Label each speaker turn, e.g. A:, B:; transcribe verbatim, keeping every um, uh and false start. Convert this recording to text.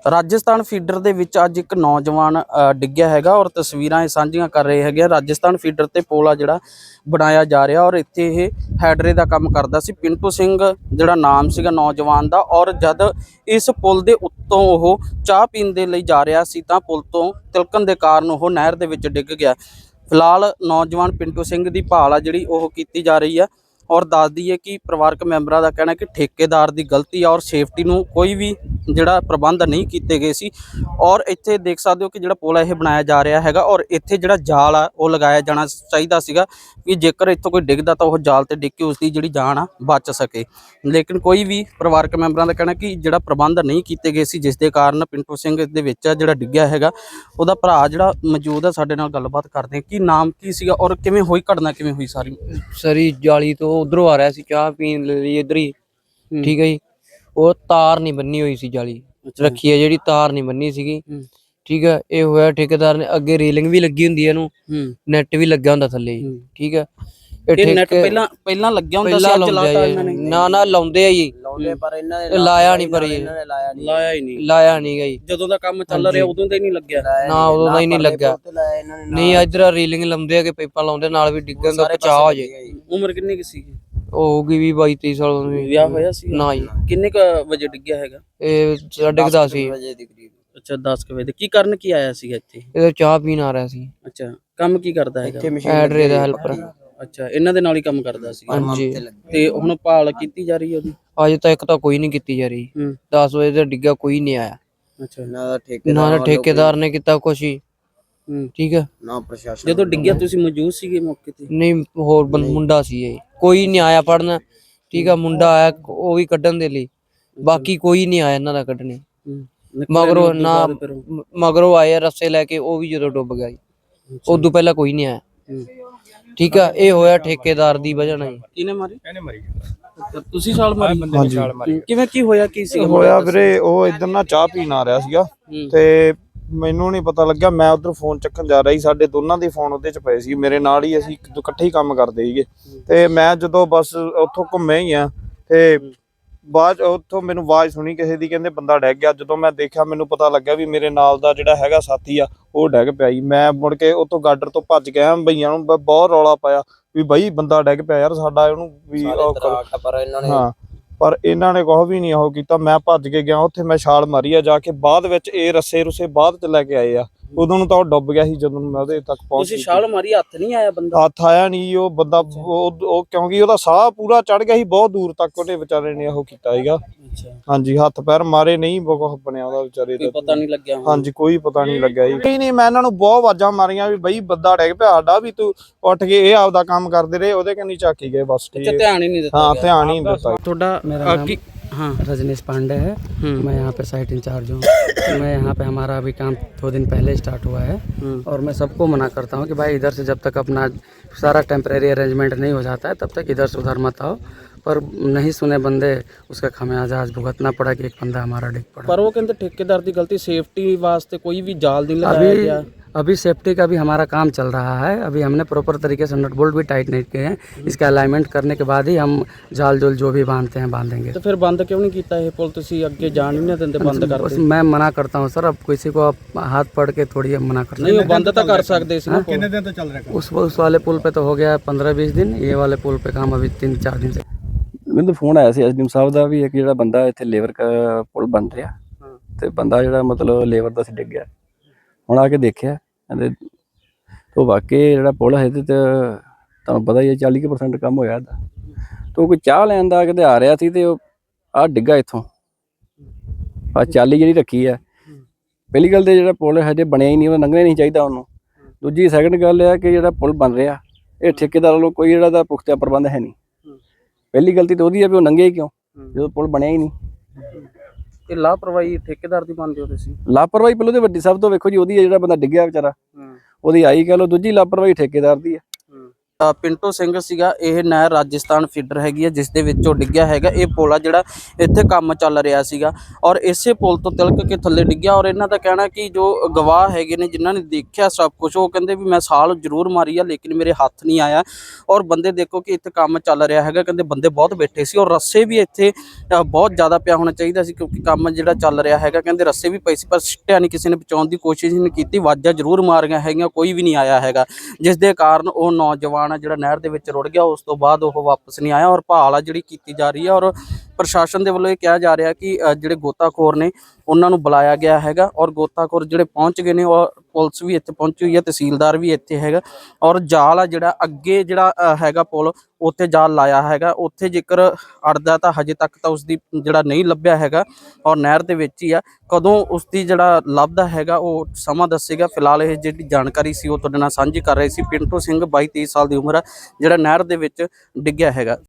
A: Rajasthan feeder ਦੇ ਵਿੱਚ ਅੱਜ ਇੱਕ ਨੌਜਵਾਨ ਡਿੱਗਿਆ ਹੈਗਾ ਔਰ ਤਸਵੀਰਾਂ ਇਹ ਸਾਂਝੀਆਂ ਕਰ ਰਹੇ ਹੈਗੇ। ਰਾਜਸਥਾਨ ਫੀਡਰ ਤੇ ਪੁਲ ਆ ਜਿਹੜਾ ਬਣਾਇਆ ਜਾ ਰਿਹਾ ਔਰ ਇੱਥੇ ਇਹ ਹੈਡਰੇ ਦਾ ਕੰਮ ਕਰਦਾ ਸੀ। ਪਿੰਟੂ ਸਿੰਘ ਜਿਹੜਾ ਨਾਮ ਸੀਗਾ ਨੌਜਵਾਨ ਦਾ, ਔਰ ਜਦ ਇਸ ਪੁਲ ਦੇ ਉੱਤੋਂ ਉਹ ਚਾਹ ਪੀਣ ਦੇ ਲਈ ਜਾ ਰਿਹਾ ਸੀ ਤਾਂ ਪੁਲ ਤੋਂ ਤਿਲਕਣ ਦੇ ਕਾਰਨ ਉਹ ਨਹਿਰ ਦੇ ਵਿੱਚ ਡਿੱਗ ਗਿਆ। ਫਿਲਹਾਲ ਨੌਜਵਾਨ ਪਿੰਟੂ ਸਿੰਘ ਦੀ ਭਾਲ ਆ ਜਿਹੜੀ ਉਹ ਕੀਤੀ ਜਾ ਰਹੀ ਆ ਔਰ ਦੱਸ ਦਈਏ ਕਿ ਪਰਿਵਾਰਕ ਮੈਂਬਰਾਂ ਦਾ ਕਹਿਣਾ ਕਿ ਠੇਕੇਦਾਰ ਦੀ ਗਲਤੀ ਆ ਔਰ ਸੇਫਟੀ ਨੂੰ ਕੋਈ ਵੀ ਜਿਹੜਾ ਪ੍ਰਬੰਧ ਨਹੀਂ ਕੀਤੇ ਗਏ ਸੀ। ਔਰ ਇੱਥੇ ਦੇਖ ਸਕਦੇ ਹੋ ਕਿ ਜਿਹੜਾ ਪੁਲ ਇਹ ਬਣਾਇਆ ਜਾ ਰਿਹਾ ਹੈਗਾ ਔਰ ਇੱਥੇ ਜਿਹੜਾ ਜਾਲ ਆ ਉਹ ਲਗਾਇਆ ਜਾਣਾ ਚਾਹੀਦਾ ਸੀਗਾ ਕਿ ਜੇਕਰ ਇੱਥੋਂ ਕੋਈ ਡਿੱਗਦਾ ਤਾਂ ਉਹ ਜਾਲ ਤੇ ਡਿੱਗ ਕੇ ਉਸ ਦੀ ਜਿਹੜੀ ਜਾਨ ਆ ਬਚ ਸਕੇ। ਲੇਕਿਨ ਕੋਈ ਵੀ ਪਰਿਵਾਰਕ ਮੈਂਬਰਾਂ ਦਾ ਕਹਿਣਾ ਕਿ ਜਿਹੜਾ ਪ੍ਰਬੰਧ ਨਹੀਂ ਕੀਤੇ ਗਏ ਸੀ, ਜਿਸ ਦੇ ਕਾਰਨ ਪਿੰਟੂ ਸਿੰਘ ਦੇ ਵਿੱਚ ਜਿਹੜਾ ਡਿੱਗਿਆ ਹੈਗਾ। ਉਹਦਾ ਭਰਾ ਜਿਹੜਾ ਮੌਜੂਦ ਆ ਸਾਡੇ ਨਾਲ ਗੱਲਬਾਤ ਕਰਦੇ ਕੀ ਨਾਮ ਕੀ ਸੀਗਾ ਔਰ ਕਿਵੇਂ ਹੋਈ ਘਟਨਾ, ਕਿਵੇਂ ਹੋਈ ਸਾਰੀ?
B: ਸਰੀ ਜਾਲੀ ਤੋਂ ਉਧਰੋਂ ਆ ਰਿਹਾ ਸੀ ਚਾਹ ਪੀਣ ਲਈ ਇੱਧਰ ਹੀ, ਠੀਕ ਹੈ ਜੀ। ਉਹ ਤਾਰ ਨਹੀਂ ਬੰਨੀ ਹੋਈ ਸੀ, ਜਾਲੀ ਰੱਖੀ ਹੈ ਜਿਹੜੀ ਤਾਰ ਨਹੀਂ ਬੰਨੀ ਸੀਗੀ, ਠੀਕ ਹੈ। ਇਹ ਹੋਇਆ ਠੇਕੇਦਾਰ ਨੇ, ਅੱਗੇ ਰੇਲਿੰਗ ਵੀ ਲੱਗੀ ਹੁੰਦੀ ਹੈ ਇਹਨੂੰ, ਨੈਟ ਵੀ ਲੱਗਿਆ ਹੁੰਦਾ ਥੱਲੇ, ਠੀਕ ਹੈ।
A: ਇਹ ਨੈਟ ਪਹਿਲਾਂ ਪਹਿਲਾਂ ਲੱਗਿਆ ਹੁੰਦਾ ਸੀ, ਅੱਜ ਲਾਤਾ ਇਹਨਾਂ ਨੇ?
B: ਨਾ ਨਾ ਲਾਉਂਦੇ ਆ ਜੀ,
C: ਪਰ ਇਹਨਾਂ ਨੇ
B: ਲਾਇਆ ਨਹੀਂ, ਪਰ ਇਹ
A: ਲਾਇਆ ਹੀ ਨਹੀਂ,
B: ਲਾਇਆ ਨਹੀਂ ਗਈ।
A: ਜਦੋਂ ਦਾ ਕੰਮ ਚੱਲ ਰਿਹਾ ਉਦੋਂ ਦਾ ਹੀ ਨਹੀਂ ਲੱਗਿਆ
B: ਨਾ, ਉਦੋਂ ਦਾ ਹੀ ਨਹੀਂ ਲੱਗਾ। ਨਹੀਂ ਇਧਰ ਰੇਲਿੰਗ ਲਾਉਂਦੇ ਆ ਕਿ ਪਾਈਪਾਂ ਲਾਉਂਦੇ ਨਾਲ ਵੀ ਡਿੱਗਣ ਦਾ ਬਚਾਅ ਹੋ ਜੇ।
A: ਉਮਰ ਕਿੰਨੀ ਕੁ ਸੀ?
B: ਉਹ ਹੋਊਗੀ ਵੀ ਬਾਈ ਤੇਈ ਸਾਲ।
A: ਵਿਆਹ ਹੋਇਆ ਸੀ?
B: ਨਾ ਜੀ।
A: ਕਿੰਨੇ ਕ ਵਜੇ ਡਿੱਗਿਆ ਹੈਗਾ?
B: ਇਹ ਸਾਢੇ ਕੁ ਦਸ ਸੀ।
A: ਅੱਛਾ, ਦਸ ਕੁ ਵਜੇ। ਕੀ ਕਰਨ ਕੀ ਆਇਆ ਸੀਗਾ ਇੱਥੇ?
B: ਇਹ ਚਾਹ ਪੀਣ ਆ ਰਿਹਾ ਸੀ।
A: ਅੱਛਾ, ਕੰਮ ਕੀ ਕਰਦਾ ਹੈਗਾ?
B: ਹੈਡਰੇ ਦਾ ਹੈਲਪਰ।
A: ਅੱਛਾ, ਇਹਨਾਂ ਦੇ ਨਾਲ ਹੀ ਕੰਮ ਕਰਦਾ ਸੀ?
B: ਹਾਂਜੀ।
A: ਤੇ ਹੁਣ ਭਾਲ ਕੀਤੀ ਜਾ ਰਹੀ ਹੈ ਉਹਦੀ?
B: ਅਜੇ ਤੱਕ ਤਾਂ ਕੋਈ ਨਹੀਂ ਕੀਤੀ ਜਾ ਰਹੀ। ਦਸ ਵਜੇ ਦਾ ਡਿੱਗਾ, ਕੋਈ ਨਹੀਂ ਆਇਆ।
A: ਅੱਛਾ,
B: ਨਾ ਠੇਕੇਦਾਰ ਨੇ ਕੀਤਾ ਕੁਛ ਹੀ, ਠੀਕ ਹੈ,
C: ਨਾ ਪ੍ਰਸ਼ਾਸਨ।
A: ਜਦੋਂ ਡਿੱਗਿਆ ਤੁਸੀਂ ਮੌਜੂਦ ਸੀਗੇ ਮੌਕੇ ਤੇ?
B: ਨਹੀਂ, ਹੋਰ ਮੁੰਡਾ ਸੀ ਇਹ, ਕੋਈ ਨਹੀਂ ਆਇਆ ਫੜਨ, ਠੀਕ ਆ। ਮੁੰਡਾ ਆਇਆ ਉਹ ਵੀ ਕੱਢਣ ਦੇ ਲਈ, ਬਾਕੀ ਕੋਈ ਨਹੀਂ ਆਇਆ ਇਹਨਾਂ ਦਾ ਕੱਢਣੇ। ਮਗਰੋਂ ਨਾ ਮਗਰੋਂ ਆਏ ਰੱਸੇ ਲੈ ਕੇ, ਉਹ ਵੀ ਜਦੋਂ ਡੁੱਬ ਗਿਆ ਜੀ, ਉਦੋਂ ਪਹਿਲਾਂ ਕੋਈ ਨਹੀਂ ਆਇਆ, ਠੀਕ ਆ। ਇਹ ਹੋਇਆ ਠੇਕੇਦਾਰ ਦੀ ਵਜ੍ਹਾ ਨਾਲ।
A: ਕਿਹਨੇ ਮਾਰੀ? ਇਹਨੇ ਮਾਰੀ। ਤੁਸੀਂ ਛਾਲ ਮਾਰੀ? ਹਾਂਜੀ। ਕਿਵੇਂ ਕੀ ਹੋਇਆ, ਕੀ ਸੀ
D: ਹੋਇਆ ਵੀਰੇ? ਉਹ ਇਧਰ ਨਾ ਚਾਹ ਪੀਣ ਆ ਰਿਹਾ ਸੀਗਾ ਤੇ ਮੈਨੂੰ ਨਹੀਂ ਪਤਾ ਲੱਗਿਆ, ਮੈਂ ਉਧਰ ਫੋਨ ਚੱਕਣ ਜਾ ਰਿਹਾ ਸੀ। ਸਾਡੇ ਦੋਨਾਂ ਦੇ ਫੋਨ ਉਹਦੇ ਚ ਪਏ ਸੀ, ਮੇਰੇ ਨਾਲ ਹੀ, ਅਸੀਂ ਇਕੱਠੇ ਹੀ ਕੰਮ ਕਰਦੇ ਸੀਗੇ। ਤੇ ਮੈਂ ਜਦੋਂ ਬਸ ਉੱਥੋਂ ਘੁੰਮੇ ਹੀ ਆ ਤੇ ਬਾਅਦ ਉੱਥੋਂ ਮੈਨੂੰ ਆਵਾਜ਼ ਸੁਣੀ ਕਿਸੇ ਦੀ, ਕਹਿੰਦੇ ਬੰਦਾ ਡਿੱਗ ਗਿਆ। ਜਦੋਂ ਮੈਂ ਦੇਖਿਆ ਮੈਨੂੰ ਪਤਾ ਲੱਗਿਆ ਵੀ ਮੇਰੇ ਨਾਲ ਦਾ ਜਿਹੜਾ ਹੈਗਾ ਸਾਥੀ ਆ ਉਹ ਡਿੱਗ ਪਿਆ ਜੀ। ਮੈਂ ਮੁੜ ਕੇ ਉੱਥੋਂ ਗਾਡਰ ਤੋਂ ਭੱਜ ਗਿਆ, ਭਈਆਂ ਨੂੰ ਬਹੁਤ ਰੌਲਾ ਪਾਇਆ ਵੀ ਬਈ ਬੰਦਾ ਡਿੱਗ ਪਿਆ ਯਾਰ ਸਾਡਾ, ਉਹਨੂੰ ਵੀ ਹਾਂ। ਪਰ ਇਹਨਾਂ ਨੇ ਕੁਛ ਵੀ ਨਹੀਂ ਉਹ ਕੀਤਾ। ਮੈਂ ਭੱਜ ਕੇ ਗਿਆ ਉੱਥੇ, ਮੈਂ ਛਾਲ ਮਾਰੀ ਆ ਜਾ ਕੇ। ਬਾਅਦ ਵਿੱਚ ਇਹ ਰੱਸੇ ਰੁੱਸੇ ਬਾਅਦ ਚ ਲੈ ਕੇ ਆਏ ਆ, ਉਦੋਂ ਨੂੰ ਤਾਂ ਉਹ ਡੁੱਬ ਗਿਆ ਸੀ ਜਦੋਂ ਮੈਂ ਉਹਦੇ ਤੱਕ ਪਹੁੰਚ।
A: ਤੁਸੀਂ ਛਾਲ ਮਾਰੀ, ਹੱਥ ਨਹੀਂ ਆਇਆ ਬੰਦਾ?
D: ਹੱਥ ਆਇਆ ਨਹੀਂ ਉਹ ਬੰਦਾ, ਉਹ ਕਿਉਂਕਿ ਉਹਦਾ ਸਾਹ ਪੂਰਾ ਚੜ ਗਿਆ ਸੀ, ਬਹੁਤ ਦੂਰ ਤੱਕ ਉਹਨੇ ਵਿਚਾਰੇ ਨੇ ਉਹ ਕੀਤਾ ਸੀਗਾ। ਹਾਂਜੀ, ਹੱਥ ਪੈਰ ਮਾਰੇ ਨਹੀਂ, ਬਹੁਤ ਬਣਿਆ ਉਹਦਾ ਵਿਚਾਰੇ ਦਾ,
A: ਪਤਾ ਨਹੀਂ ਲੱਗਿਆ। ਹਾਂਜੀ,
D: ਕੋਈ ਪਤਾ ਨਹੀਂ ਲੱਗਿਆ ਜੀ। ਨਹੀਂ ਨਹੀਂ, ਮੈਂ ਇਹਨਾਂ ਨੂੰ ਬਹੁਤ ਆਵਾਜ਼ਾਂ ਮਾਰੀਆਂ ਵੀ ਬਈ ਬੰਦਾ ਡਿੱਗ ਪਿਆ ਸਾਡਾ, ਵੀ ਤੂੰ ਉੱਠ ਕੇ ਇਹ ਆਪਦਾ ਕੰਮ ਕਰਦੇ ਰਹੇ। ਉਹਦੇ ਕੰਨੀ ਝਾਕੀ ਗਏ ਬਸ,
A: ਧਿਆਨ ਹੀ ਨਹੀਂ ਦਿੱਤਾ।
D: ਹਾਂ, ਧਿਆਨ ਹੀ ਨਹੀਂ ਦਿੱਤਾ।
A: ਤੁਹਾਡਾ
E: मेरा नाम हाँ रजनीश पांडे है। मैं यहाँ पे साइट इंचार्ज हूँ। मैं यहाँ पे हमारा अभी काम दो दिन पहले स्टार्ट हुआ है और मैं सबको मना करता हूँ कि भाई इधर से जब तक अपना सारा टेम्परेरी अरेंजमेंट नहीं हो जाता है तब तक इधर से उधर मत आओ। पर नहीं सुने बंदे, उसका खमियाजा आज भुगतना पड़ा कि एक बंदा हमारा डिग पड़ा।
A: पर वो कहते ठेकेदार की गलती, सेफ्टी वास्ते कोई भी जाल नहीं लगाया गया।
E: अभी सेफ्टी का भी हमारा काम चल रहा है। अभी हमने प्रॉपर तरीके से नट बोल्ट भी टाइट नहीं किए हैं। इसका अलाइनमेंट करने के बाद ही हम जाल जोल जो भी बांधते हैं बांधेंगे।
A: तो फिर बंद क्यों नहीं किया ये पुल? तुसी आगे जान ही नहीं देते, बंद कर दो।
E: मैं मना करता हूँ सर, अब किसी को आप हाथ पड़ के थोड़ी मना कर
A: नहीं, बंद तो कर सकते थे ना। कितने दिन तो चल रहा है?
E: उस उस वाले पुल पे तो हो गया पंद्रह बीस दिन, ये वाले पुल पे काम अभी तीन चार दिन से।
F: ਮੈਨੂੰ ਫੋਨ ਆਇਆ ਸੀ ਐਸਡੀਐਮ ਸਾਹਿਬ ਦਾ ਵੀ ਇੱਕ ਜਿਹੜਾ ਬੰਦਾ ਇੱਥੇ ਲੇਬਰ ਪੁਲ ਬਣ ਰਿਹਾ ਤੇ ਬੰਦਾ ਜਿਹੜਾ ਮਤਲਬ ਲੇਬਰ ਦਾ ਸੀ ਡਿੱਗ ਗਿਆ। ਹੁਣ ਆ ਕੇ ਦੇਖਿਆ ਕਹਿੰਦੇ ਉਹ ਵਾਕਈ ਜਿਹੜਾ ਪੁਲ ਹੈ ਤੇ ਤੁਹਾਨੂੰ ਪਤਾ ਹੀ ਹੈ ਚਾਲੀ ਕੁ ਪਰਸੈਂਟ ਕੰਮ ਹੋਇਆ ਇਹਦਾ। ਤੋ ਕੋਈ ਚਾਹ ਲੈਣ ਦਾ ਕਿਤੇ ਆ ਰਿਹਾ ਸੀ ਤੇ ਉਹ ਆਹ ਡਿੱਗਾ ਇੱਥੋਂ। ਆ ਚਾਲੀ ਜਿਹੜੀ ਰੱਖੀ ਹੈ, ਪਹਿਲੀ ਗੱਲ ਤੇ ਜਿਹੜਾ ਪੁਲ ਹਜੇ ਬਣਿਆ ਹੀ ਨਹੀਂ, ਉਹ ਲੰਘਣਾ ਨਹੀਂ ਚਾਹੀਦਾ ਉਹਨੂੰ। ਦੂਜੀ ਸੈਕਿੰਡ ਗੱਲ ਇਹ ਕਿ ਜਿਹੜਾ ਪੁਲ ਬਣ ਰਿਹਾ ਇਹ ਠੇਕੇਦਾਰ ਵੱਲੋਂ ਕੋਈ ਜਿਹੜਾ ਦਾ ਪੁਖਤਾ ਪ੍ਰਬੰਧ ਹੈ ਨਹੀਂ। ਪਹਿਲੀ ਗਲਤੀ ਤਾਂ ਉਹਦੀ ਹੈ ਵੀ ਉਹ ਲੰਘੇ ਕਿਉਂ ਜਦੋਂ ਪੁਲ ਬਣਿਆ ਹੀ ਨਹੀਂ।
A: ਇਹ ਲਾਪਰਵਾਹੀ ਠੇਕੇਦਾਰ ਦੀ ਮੰਨਦੇ ਹੋ ਤੁਸੀਂ?
F: ਲਾਪਰਵਾਹੀ ਪਹਿਲੋਂ ਤੇ ਵੱਡੀ ਸਭ ਤੋਂ ਵੇਖੋ ਜੀ ਉਹਦੀ ਹੈ, ਜਿਹੜਾ ਬੰਦਾ ਡਿੱਗਿਆ ਵਿਚਾਰਾ ਉਹਦੀ ਆਈ ਕਹਿ ਲਓ। ਦੂਜੀ ਲਾਪਰਵਾਹੀ ਠੇਕੇਦਾਰ ਦੀ ਹੈ,
A: ਅ, ਪਿੰਟੂ ਸਿੰਘ ਸੀਗਾ। ਇਹ ਨਹਿਰ ਰਾਜਸਥਾਨ ਫੀਡਰ ਹੈਗੀ ਹੈ ਜਿਸ ਦੇ ਵਿੱਚੋਂ ਡਿੱਗਿਆ ਹੈਗਾ। ਇਹ ਪੁਲ ਆ ਜਿਹੜਾ ਇੱਥੇ ਕੰਮ ਚੱਲ ਰਿਹਾ ਸੀਗਾ ਔਰ ਇਸੇ ਪੁਲ ਤੋਂ ਤਿਲਕ ਕੇ ਥੱਲੇ ਡਿੱਗਿਆ। ਔਰ ਇਹਨਾਂ ਦਾ ਕਹਿਣਾ ਕਿ ਜੋ ਗਵਾਹ ਹੈਗੇ ਨੇ ਜਿਨ੍ਹਾਂ ਨੇ ਦੇਖਿਆ ਸਭ ਕੁਝ, ਉਹ ਕਹਿੰਦੇ ਵੀ ਮੈਂ ਸਾਲ ਜ਼ਰੂਰ ਮਾਰੀ ਆ ਲੇਕਿਨ ਮੇਰੇ ਹੱਥ ਨਹੀਂ ਆਇਆ। ਔਰ ਬੰਦੇ ਦੇਖੋ ਕਿ ਇੱਥੇ ਕੰਮ ਚੱਲ ਰਿਹਾ ਹੈਗਾ, ਕਹਿੰਦੇ ਬੰਦੇ ਬਹੁਤ ਬੈਠੇ ਸੀ ਔਰ ਰੱਸੇ ਵੀ ਇੱਥੇ ਅ, ਬਹੁਤ ਜ਼ਿਆਦਾ ਪਿਆ ਹੋਣਾ ਚਾਹੀਦਾ ਸੀ ਕਿਉਂਕਿ ਕੰਮ ਜਿਹੜਾ ਚੱਲ ਰਿਹਾ ਹੈਗਾ। ਕਹਿੰਦੇ ਰੱਸੇ ਵੀ ਪਏ ਸੀ ਪਰ ਸਿੱਟਿਆ ਨਹੀਂ, ਕਿਸੇ ਨੇ ਬਚਾਉਣ ਦੀ ਕੋਸ਼ਿਸ਼ ਨਹੀਂ ਕੀਤੀ। ਆਵਾਜ਼ਾਂ ਜ਼ਰੂਰ ਮਾਰੀਆਂ ਹੈਗੀਆਂ, ਕੋਈ ਵੀ ਨਹੀਂ ਆਇਆ ਹੈਗਾ, ਜਿਸ ਦੇ ਕਾਰਨ ਉਹ ਨੌਜਵਾਨ ਆ ਜਿਹੜਾ ਨਹਿਰ ਦੇ ਵਿੱਚ ਰੁੜ ਗਿਆ। ਉਸ ਤੋਂ ਬਾਅਦ ਉਹ ਵਾਪਸ ਨਹੀਂ ਆਇਆ ਔਰ ਭਾਲ ਆ ਜਿਹੜੀ ਕੀਤੀ ਜਾ ਰਹੀ ਹੈ। ਔਰ ਪ੍ਰਸ਼ਾਸਨ ਦੇ ਵੱਲੋਂ ਇਹ ਕਿਹਾ ਜਾ ਰਿਹਾ ਕਿ ਅ, ਜਿਹੜੇ ਗੋਤਾਖੋਰ ਨੇ ਉਹਨਾਂ ਨੂੰ ਬੁਲਾਇਆ ਗਿਆ ਹੈਗਾ ਔਰ ਗੋਤਾਖੋਰ ਜਿਹੜੇ ਪਹੁੰਚ ਗਏ ਨੇ ਔਰ ਪੁਲਿਸ ਵੀ ਇੱਥੇ ਪਹੁੰਚੀ ਹੋਈ ਹੈ, ਤਹਿਸੀਲਦਾਰ ਵੀ ਇੱਥੇ ਹੈਗਾ। ਔਰ ਜਾਲ ਆ ਜਿਹੜਾ ਅੱਗੇ ਜਿਹੜਾ ਅ, ਹੈਗਾ ਪੁਲ ਉੱਥੇ ਜਾਲ ਲਾਇਆ ਹੈਗਾ। ਉੱਥੇ ਜੇਕਰ ਅੜਦਾ ਤਾਂ ਹਜੇ ਤੱਕ ਤਾਂ ਉਸਦੀ ਜਿਹੜਾ ਨਹੀਂ ਲੱਭਿਆ ਹੈਗਾ ਔਰ ਨਹਿਰ ਦੇ ਵਿੱਚ ਹੀ ਆ। ਕਦੋਂ ਉਸਦੀ ਜਿਹੜਾ ਲੱਭਦਾ ਹੈਗਾ ਉਹ ਸਮਾਂ ਦੱਸੇਗਾ। ਫਿਲਹਾਲ ਇਹ ਜਿਹੜੀ ਜਾਣਕਾਰੀ ਸੀ ਉਹ ਤੁਹਾਡੇ ਨਾਲ ਸਾਂਝੀ ਕਰ ਰਹੇ ਸੀ। ਪਿੰਟੂ ਸਿੰਘ ਬਾਈ ਤੇਈ ਸਾਲ ਦੀ ਉਮਰ ਆ ਜਿਹੜਾ ਨਹਿਰ ਦੇ ਵਿੱਚ ਡਿੱਗਿਆ ਹੈਗਾ।